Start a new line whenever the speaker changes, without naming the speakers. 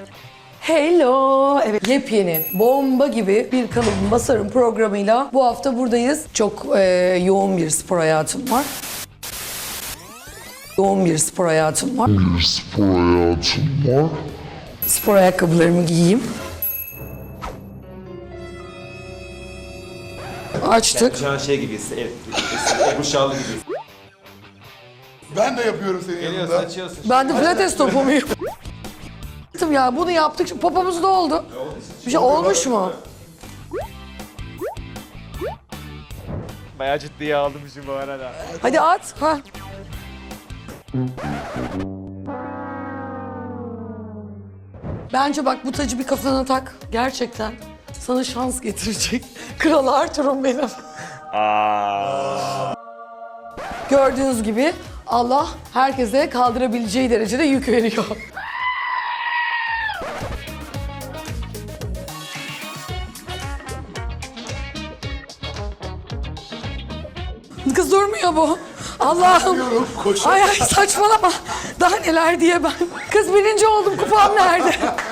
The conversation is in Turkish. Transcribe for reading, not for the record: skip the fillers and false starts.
Hello. Evet, yepyeni, bomba gibi bir kalıbı basarım programıyla bu hafta buradayız. Çok yoğun bir spor hayatım var. Yoğun bir spor hayatım var. Spor ayakkabılarımı giyeyim. Açtık.
Şu an şey gibiyiz, Ebru Şallı gibiyiz.
Ben de yapıyorum senin
Geliyorsun,
yanında.
açıyorsun.
Ben de pilates topu muyum? Ya bunu yaptık, şimdi popomuz da oldu. Bir şey olmuş mu?
Bayağı ciddiye aldım şu bu arada.
Hadi at. Ha. Bence bak bu tacı bir kafana tak. Gerçekten sana şans getirecek. Kral Arthur'um benim. Gördüğünüz gibi Allah herkese kaldırabileceği derecede yük veriyor. Kız durmuyor bu. Allah'ım.
Koşuyorum.
Ay saçmalama. Daha neler diye ben. Kız birinci oldum, kupam nerede?